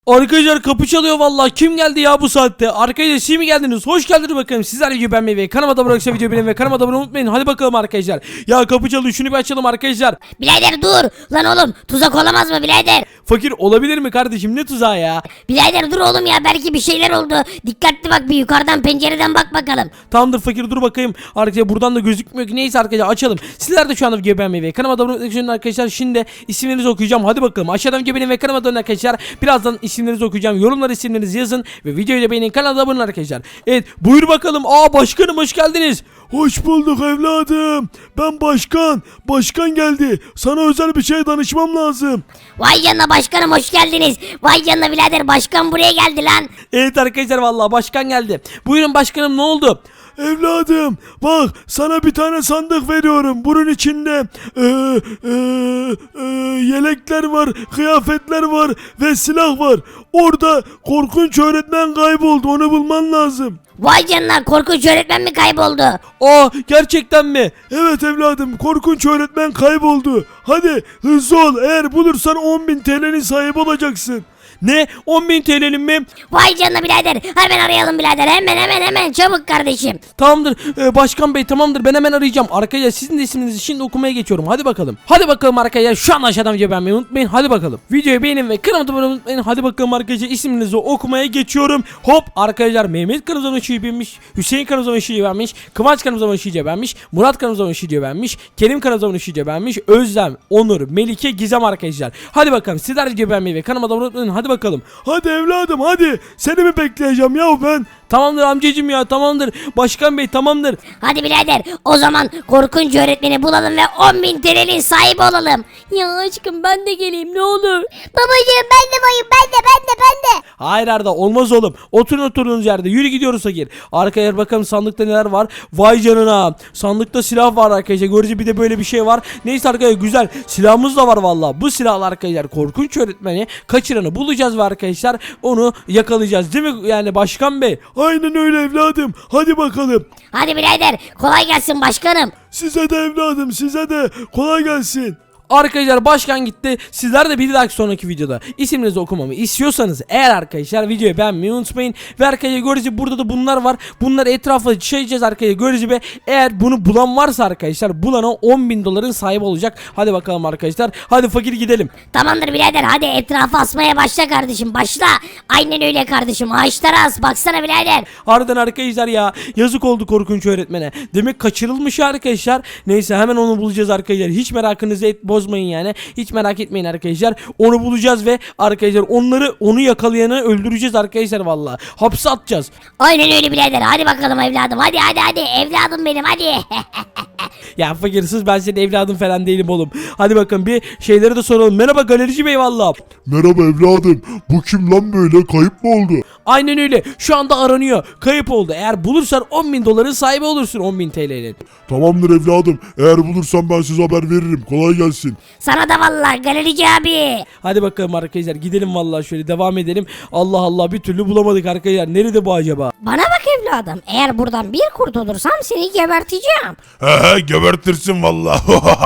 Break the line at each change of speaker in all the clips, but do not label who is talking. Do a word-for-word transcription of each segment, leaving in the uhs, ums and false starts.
Arkadaşlar kapı çalıyor vallahi. Kim geldi ya bu saatte? Arkadaşlar siz mi geldiniz? Hoş geldiniz bakalım. Sizler videoyu beğenmeyi ve kanalıma da bıraksa videoyu beğenmeyi ve kanalıma da abone olmayı unutmayın. Hadi bakalım arkadaşlar. Ya kapı çalıyor, şunu bir açalım arkadaşlar.
Birader dur. Lan oğlum tuzak olamaz mı birader?
Fakir olabilir mi kardeşim? Ne tuzağı ya?
Birader dur oğlum ya, belki bir şeyler oldu. Dikkatli bak, bir yukarıdan pencereden bak bakalım.
Tamamdır fakir, dur bakayım. Arkadaşlar buradan da gözükmüyor ki. Neyse arkadaşlar açalım. Sizler de şu anda videoyu beğenmeyi ve kanalıma da abone olmayı unutmayın arkadaşlar. Şimdi isimlerinizi okuyacağım. Hadi bakalım. Aşağıdan videoyu beğenin ve kanalıma da abone olun arkadaşlar. Birazdan isimlerinizi okuyacağım. Yorumlara isimlerinizi yazın ve videoyu da beğenin, kanala da abone olun arkadaşlar. Evet buyur bakalım. Aa başkanım hoş geldiniz.
Hoş bulduk evladım. Ben başkan. Başkan geldi. Sana özel bir şey danışmam lazım.
Vay canına başkanım, hoş geldiniz. Vay canına birader, başkan buraya geldi lan.
Evet arkadaşlar vallahi başkan geldi. Buyurun başkanım, ne oldu?
Evladım bak, sana bir tane sandık veriyorum. Bunun içinde e, e, e, yelekler var, kıyafetler var ve silah var. Orada korkunç öğretmen kayboldu. Onu bulman lazım.
Vay canına, korkunç öğretmen mi kayboldu?
Aa gerçekten mi?
Evet evladım, korkunç öğretmen kayboldu. Hadi hızlı ol. Eğer bulursan on bin T L'nin sahibi olacaksın.
Ne? on bin T L'nin mi?
Vay canına birader, hemen arayalım birader, hemen hemen hemen çabuk kardeşim.
Tamamdır ee, başkan bey, tamamdır, ben hemen arayacağım. Arkadaşlar sizin de isminizi şimdi okumaya geçiyorum. Hadi bakalım. Hadi bakalım arkadaşlar, şu an aşağıdan videoyu beğenmeyi unutmayın. Hadi bakalım. Videoyu beğenin ve kanalıma da abone olmayı unutmayın. Hadi bakalım arkadaşlar, isminizi okumaya geçiyorum. Hop arkadaşlar, Mehmet kanalımıza ışığı beğenmiş, Hüseyin kanalımıza ışığı beğenmiş, Kıvanç kanalımıza ışığı beğenmiş, Murat kanalımıza ışığı beğenmiş, Kerim kanalımıza ışığı beğenmiş, Özlem, Onur, Melike, Gizem arkadaşlar. Hadi bakalım sizler videoyu beğenmeyi ve kanalıma da abone olmayı unutmayın. Hadi bakalım.
Hadi evladım hadi. Seni mi bekleyeceğim ya ben?
Tamamdır amcacım ya, tamamdır. Başkan bey tamamdır.
Hadi birader, o zaman korkunç öğretmeni bulalım ve on bin T L'nin sahibi olalım. Ya aşkım ben de geleyim ne olur.
Babacığım ben de varım, ben de ben de ben de.
Hayır Arda, olmaz oğlum. Oturun oturduğunuz yerde. Yürü gidiyoruz fakir. Arkaya bakalım sandıkta neler var. Vay canına. Sandıkta silah var arkadaşlar. Görece bir de böyle bir şey var. Neyse arkadaşlar, güzel. Silahımız da var valla. Bu silahlar arkadaşlar korkunç öğretmeni kaçıranı bulacağız ve arkadaşlar onu yakalayacağız. Değil mi yani başkan bey?
Aynen öyle evladım. Hadi bakalım.
Hadi birader, kolay gelsin başkanım.
Size de evladım, size de kolay gelsin.
Arkadaşlar başkan gitti. Sizler de bir dahaki sonraki videoda isimlerinizi okumamı istiyorsanız eğer arkadaşlar videoyu beğenmeyi unutmayın. Ve arkadaşlar görece burada da bunlar var. Bunları etrafa çekeceğiz arkadaşlar görece ve eğer bunu bulan varsa arkadaşlar bulana on bin doların sahibi olacak. Hadi bakalım arkadaşlar. Hadi fakir gidelim.
Tamamdır birader, hadi etrafı asmaya başla kardeşim, başla. Aynen öyle kardeşim, ağaçlara as, baksana birader.
Harbiden arkadaşlar ya, yazık oldu korkunç öğretmene. Demek kaçırılmış arkadaşlar. Neyse hemen onu bulacağız arkadaşlar. Hiç merakınızı et bozmayın yani. Hiç merak etmeyin arkadaşlar. Onu bulacağız ve arkadaşlar onları onu yakalayanı öldüreceğiz arkadaşlar vallahi. Hapse atacağız.
Aynen öyle birader, hadi bakalım evladım, hadi hadi hadi evladım benim, hadi.
Ya fakirsiz, ben senin evladın falan değilim oğlum. Hadi bakın bir şeyleri de soralım. Merhaba galerici bey vallahi.
Merhaba evladım. Bu kim lan böyle? Kayıp mı oldu?
Aynen öyle. Şu anda aranıyor. Kayıp oldu. Eğer bulursan on bin doların sahibi olursun, on bin T L'nin.
Tamamdır evladım. Eğer bulursam ben size haber veririm. Kolay gelsin.
Sana da vallahi galerici abi.
Hadi bakalım arkadaşlar, gidelim vallahi, şöyle devam edelim. Allah Allah, bir türlü bulamadık arkadaşlar. Nerede bu acaba?
Bana bak evladım, eğer buradan bir kurtulursam seni geberteceğim.
He he gebertirsin valla.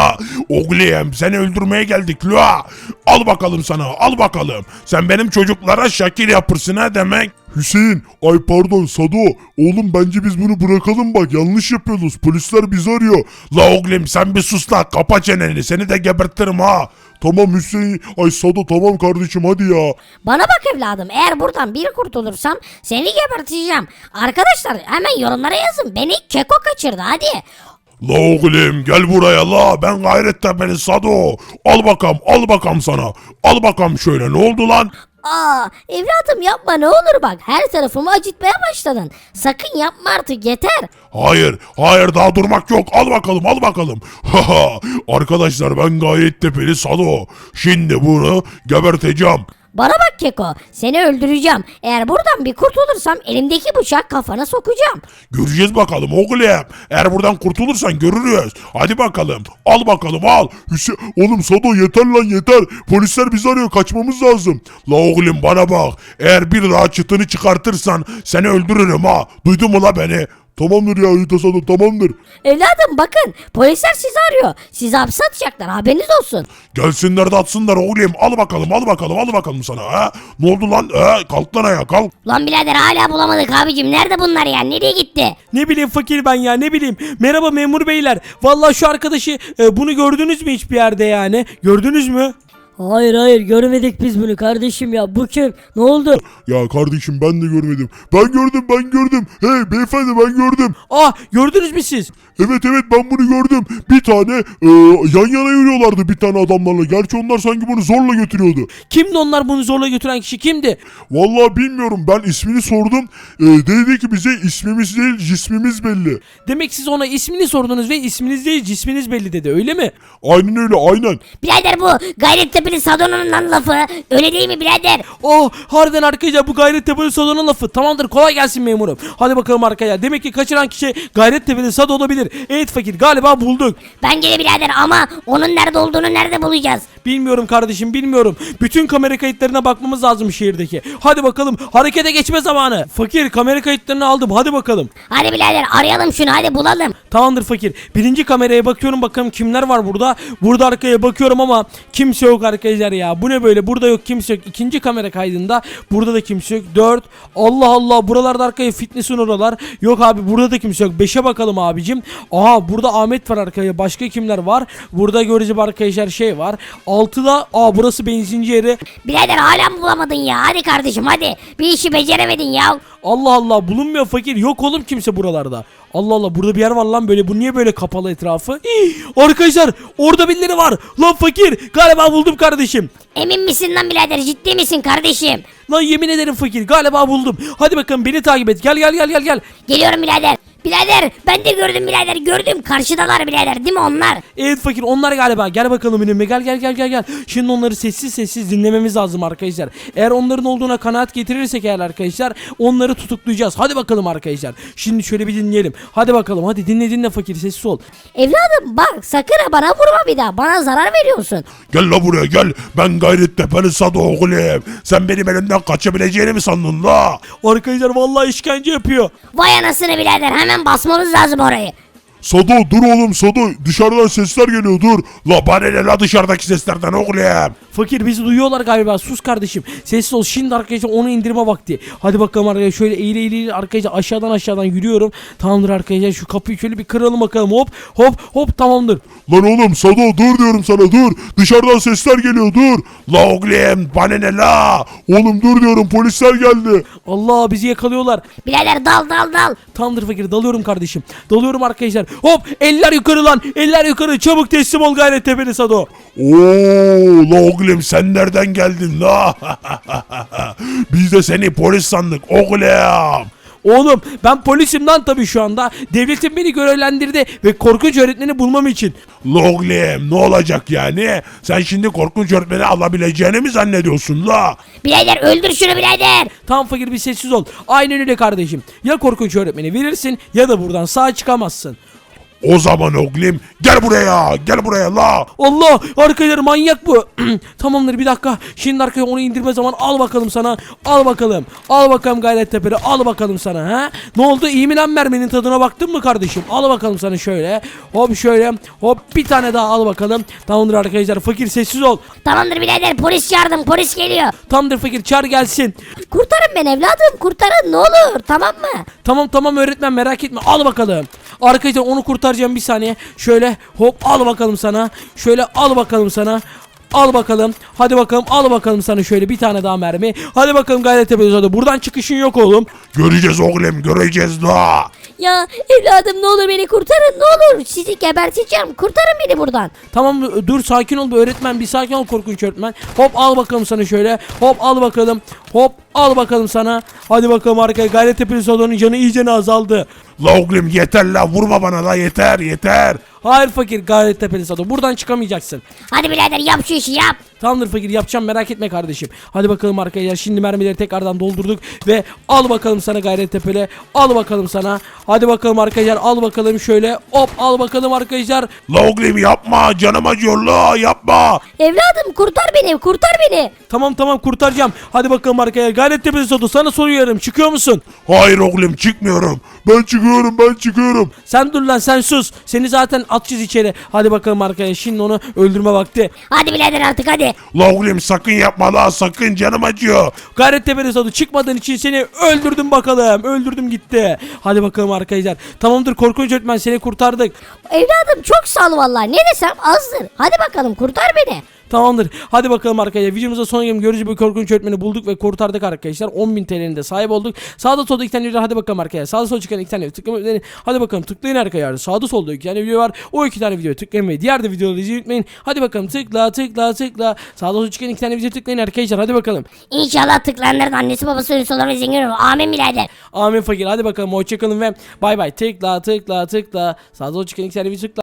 Oğlum seni öldürmeye geldik la. Al bakalım sana, al bakalım. Sen benim çocuklara şakir yapırsın ha demek.
Hüseyin, ay pardon Sado. Oğlum bence biz bunu bırakalım bak. Yanlış yapıyoruz. Polisler bizi arıyor.
La oğlum sen bir sus la, kapa çeneni, seni de gebertirim ha.
Tamam Hüseyin. Ay Sado tamam kardeşim hadi ya.
Bana bak evladım, eğer buradan bir kurtulursam seni geberteceğim. Arkadaşlar hemen yorumlara yazın, beni Keko kaçırdı hadi.
La oğlum gel buraya la, ben Gayrettepe'li Sado. Al bakalım, al bakalım sana. Al bakalım şöyle, ne oldu lan?
Aa evladım yapma ne olur, bak her tarafımı acıtmaya başladın. Sakın yapma artık, yeter.
Hayır, hayır daha durmak yok. Al bakalım, al bakalım. Haha. Arkadaşlar ben Gayrettepe'li Sado. Şimdi bunu geberteceğim.
Bana bak Keko, seni öldüreceğim. Eğer buradan bir kurtulursam elimdeki bıçak kafana sokacağım.
Göreceğiz bakalım oğlum. Eğer buradan kurtulursan görürüz. Hadi bakalım. Al bakalım al.
Hüseyin, oğlum Sado yeter lan yeter. Polisler bizi arıyor, kaçmamız lazım.
La oğlum bana bak. Eğer bir daha çıtını çıkartırsan seni öldürürüm ha. Duydun mu la beni?
Tamamdır ya Rita Sado tamamdır.
Evladım bakın polisler sizi arıyor. Sizi hapse atacaklar haberiniz olsun.
Gelsinler de atsınlar oğlum. Al bakalım al bakalım al bakalım sana ha. Ne oldu lan? Ha, kalk lan ayağa kalk.
Lan birader hala bulamadık abicim. Nerede bunlar ya? Nereye gitti?
Ne bileyim fakir ben ya ne bileyim. Merhaba memur beyler. Vallahi şu arkadaşı e, bunu gördünüz mü hiçbir yerde yani? Gördünüz mü?
Hayır hayır görmedik biz bunu kardeşim ya. Bu kim? Ne oldu?
Ya kardeşim ben de görmedim. Ben gördüm ben gördüm. Hey beyefendi ben gördüm.
Ah gördünüz mü siz?
Evet evet ben bunu gördüm. Bir tane e, yan yana yürüyorlardı bir tane adamlarla. Gerçi onlar sanki bunu zorla götürüyordu.
Kimdi onlar bunu zorla götüren kişi kimdi?
Vallahi bilmiyorum ben ismini sordum. E, dedi ki bize ismimiz değil cismimiz belli.
Demek siz ona ismini sordunuz ve isminiz değil cisminiz belli dedi öyle mi?
Aynen öyle aynen.
Birader bu Gayrettepe'li Sadon'un lan lafı. Öyle değil mi birader?
Oh harbiden arkadaşlar bu Gayrettepe'li Sado'nun lafı. Tamamdır kolay gelsin memurum. Hadi bakalım arkadaşlar. Demek ki kaçıran kişi Gayrettepe'li Sado olabilir. Evet fakir galiba bulduk.
Bence de birader ama onun nerede olduğunu nerede bulacağız?
Bilmiyorum kardeşim bilmiyorum. Bütün kamera kayıtlarına bakmamız lazım şehirdeki. Hadi bakalım harekete geçme zamanı. Fakir kamera kayıtlarını aldım hadi bakalım.
Hadi birader arayalım şunu hadi bulalım.
Tamamdır fakir. Birinci kameraya bakıyorum bakalım kimler var burada. Burada arkaya bakıyorum ama kimse yok arkadaşlar ya. Bu ne böyle burada yok kimse yok. İkinci kamera kaydında burada da kimse yok. Dört. Allah Allah buralarda arkaya fitness'in oralar. Yok abi burada da kimse yok. Beşe bakalım abicim. Aha burada Ahmet var arkaya. Başka kimler var? Burada görece arkadaşlar şey var. Altıda aa burası benzinci yeri.
Birader hala mı bulamadın ya? Hadi kardeşim hadi. Bir işi beceremedin ya.
Allah Allah bulunmuyor fakir. Yok oğlum kimse buralarda. Allah Allah burada bir yer var lan böyle. Bu niye böyle kapalı etrafı? Hii, arkadaşlar orada birileri var. Lan fakir galiba buldum kardeşim.
Emin misin lan birader ciddi misin kardeşim?
Lan yemin ederim fakir galiba buldum. Hadi bakalım beni takip et. Gel gel gel gel gel.
Geliyorum birader. Birader ben de gördüm birader gördüm. Karşıdalar birader değil mi onlar?
Evet fakir onlar galiba. Gel bakalım önüme. Gel gel gel gel gel. Şimdi onları sessiz sessiz dinlememiz lazım arkadaşlar. Eğer onların olduğuna kanaat getirirsek eğer arkadaşlar onları tutuklayacağız. Hadi bakalım arkadaşlar. Şimdi şöyle bir dinleyelim. Hadi bakalım. Hadi dinle dinle fakir sessiz ol.
Evladım bak sakın ha bana vurma bir daha. Bana zarar veriyorsun.
Gel la buraya gel. Ben Gayrettepe'li Sado oğlum. Sen benim elimden kaçabileceğini mi sandın la?
Arkadaşlar vallahi işkence yapıyor.
Vay anasını birader hemen basmamız lazım orayı.
Sado dur oğlum Sado dışarıdan sesler geliyor dur.
La bana ne la dışarıdaki seslerden oğlum?
Fakir bizi duyuyorlar galiba. Sus kardeşim. Sessiz ol. Şimdi arkadaşlar onu indirme vakti. Hadi bakalım arkadaşlar. Şöyle eğil eğil eğil arkadaşlar aşağıdan aşağıdan yürüyorum. Tamamdır arkadaşlar. Şu kapıyı şöyle bir kıralım bakalım. Hop hop hop tamamdır.
Lan oğlum Sado dur diyorum sana dur. Dışarıdan sesler geliyor dur.
La oğlum bana ne la?
Oğlum dur diyorum polisler geldi.
Allah bizi yakalıyorlar.
Birader dal dal dal.
Tamamdır fakir dalıyorum kardeşim. Dalıyorum arkadaşlar. Hop eller yukarı lan. Eller yukarı. Çabuk teslim ol Gayrettepe'li Sado.
Oo la oğlum sen nereden geldin la? Biz de seni polis sandık oğlum.
Oğlum ben polisim lan tabii şu anda. Devletim beni görevlendirdi ve korkunç öğretmeni bulmam için.
La oğlum ne olacak yani? Sen şimdi korkunç öğretmeni alabileceğini mi zannediyorsun la?
Birader öldür şunu birader.
Tam fakir bir sessiz ol. Aynen öyle kardeşim. Ya korkunç öğretmeni verirsin ya da buradan sağ çıkamazsın.
O zaman oğlum gel buraya gel buraya la.
Allah arkadaşlar manyak bu. Tamamdır bir dakika. Şimdi arkaya onu indirme zaman al bakalım sana. Al bakalım. Al bakalım Gayrettepe'li. Al bakalım sana ha. Ne oldu iyi mi lan merminin tadına baktın mı kardeşim? Al bakalım sana şöyle. Hop şöyle. Hop bir tane daha al bakalım. Tamamdır arkadaşlar fakir sessiz ol.
Tamamdır birader polis çağırdım polis geliyor.
Tamamdır fakir çağır gelsin.
Kurtarın beni evladım kurtarın ne olur tamam mı?
Tamam tamam öğretmen merak etme al bakalım. Arkadaşlar onu kurtaracağım bir saniye. Şöyle hop al bakalım sana. Şöyle al bakalım sana. Al bakalım. Hadi bakalım al bakalım sana şöyle bir tane daha mermi. Hadi bakalım Gayrettepe'li Sado. Buradan çıkışın yok oğlum.
Göreceğiz oğlum göreceğiz la.
Ya evladım ne olur beni kurtarın ne olur sizi geberteceğim kurtarın beni buradan.
Tamam dur sakin ol bir öğretmen bir sakin ol korkunç öğretmen. Hop al bakalım sana şöyle. Hop al bakalım. Hop al bakalım sana. Hadi bakalım arkaya Gayrettepe'li Sado'nun canı iyice azaldı.
La oğlum yeter la vurma bana la yeter yeter.
Hayır fakir Gayrettepe'li Sado. Buradan çıkamayacaksın.
Hadi birader yap şu işi yap.
Tamamdır fakir yapacağım merak etme kardeşim. Hadi bakalım arkadaşlar şimdi mermileri tekrardan doldurduk ve al bakalım sana Gayrettepe'li. Al bakalım sana. Hadi bakalım arkadaşlar al bakalım şöyle. Hop al bakalım arkadaşlar.
La oğlum yapma canım acıyor la yapma.
Evladım kurtar beni kurtar beni.
Tamam tamam kurtaracağım. Hadi bakalım arkadaşlar Gayrettepe Sodu sana soruyorum çıkıyor musun?
Hayır oğlum çıkmıyorum. Ben çıkıyorum ben çıkıyorum.
Sen dur lan sen sus. Seni zaten atacağız içeri. Hadi bakalım arkadaşlar şimdi onu öldürme vakti.
Hadi birader artık hadi.
La oğlum sakın yapma la sakın canım acıyor.
Gayrettepe Sodu çıkmadığın için seni öldürdüm bakalım. Öldürdüm gitti. Hadi bakalım arkadaşlar. Tamamdır korkunç öğretmen seni kurtardık.
Evladım çok sağ ol vallahi. Ne desem azdır. Hadi bakalım kurtar beni.
Tamamdır. Hadi bakalım arkadaşlar. Videomuza son gelin görücü bir korkunç öğretmeni bulduk ve kurtardık arkadaşlar. on bin T L'nin de sahip olduk. Sağda solda iki tane video var. Hadi bakalım arkadaşlar. Sağda solda çıkan iki tane video tıklamayı. Hadi bakalım tıklayın arkadaşlar. Sağda solda iki tane video var. O iki tane videoyu tıklayın ve diğer de videoları izlemeyi unutmayın. Hadi bakalım tıkla tıkla tıkla. Sağda solda çıkan iki tane video tıklayın arkadaşlar. Hadi bakalım.
İnşallah tıklayanların annesi babası ünlüsü olur ve zengin olur. Amin birader.
Amin fakir. Hadi bakalım. Hoşçakalın ve bay bay. Tıkla tıkla tıkla. Sağda solda çıkan iki tane video tıkla.